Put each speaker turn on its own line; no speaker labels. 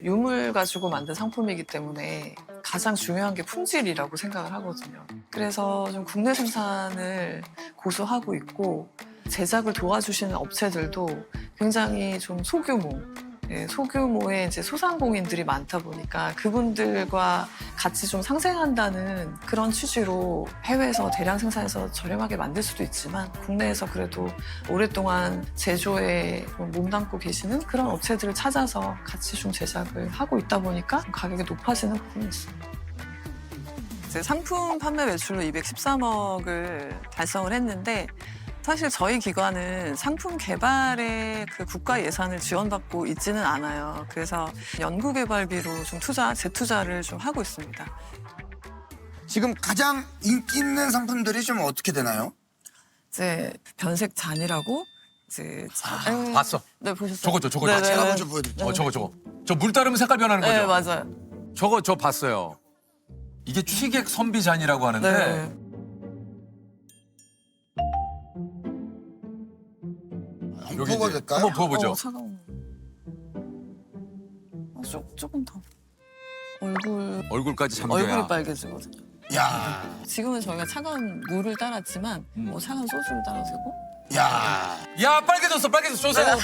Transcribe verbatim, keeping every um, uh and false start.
유물 가지고 만든 상품이기 때문에 가장 중요한 게 품질이라고 생각을 하거든요. 그래서 좀 국내 생산을 고수하고 있고 제작을 도와주시는 업체들도 굉장히 좀 소규모, 예, 소규모의 이제 소상공인들이 많다 보니까 그분들과 같이 좀 상생한다는 그런 취지로 해외에서 대량 생산해서 저렴하게 만들 수도 있지만 국내에서 그래도 오랫동안 제조에 좀 몸담고 계시는 그런 업체들을 찾아서 같이 좀 제작을 하고 있다 보니까 가격이 높아지는 부분이 있습니다. 이제 상품 판매 매출로 이백십삼억을 달성을 했는데 사실 저희 기관은 상품 개발에 그 국가 예산을 지원받고 있지는 않아요. 그래서 연구개발비로 좀 투자, 재투자를 좀 하고 있습니다.
지금 가장 인기 있는 상품들이 좀 어떻게 되나요?
이제 변색 잔이라고 이제 자,
아, 봤어.
네 보셨어요?
저거, 저거,
네네.
제가 먼저 보여드릴게요.
어, 저거, 저거. 저 물 따르면 색깔 변하는 거죠?
네 맞아요.
저거, 저 봤어요. 이게 취객 선비잔이라고 하는데
네.
한번
여기
뽑아도
이제
될까요?
한번 부어보죠.
어, 차가운. 어, 조, 조금 더. 얼굴
얼굴까지 잠겨야.
얼굴이 빨개지거든요.
야,
지금은 저희가 차가운 물을 따랐지만
음.
뭐 차가운 소주를 따라도 되고.
야.
야, 빨개졌어, 빨개졌어. 저 사람.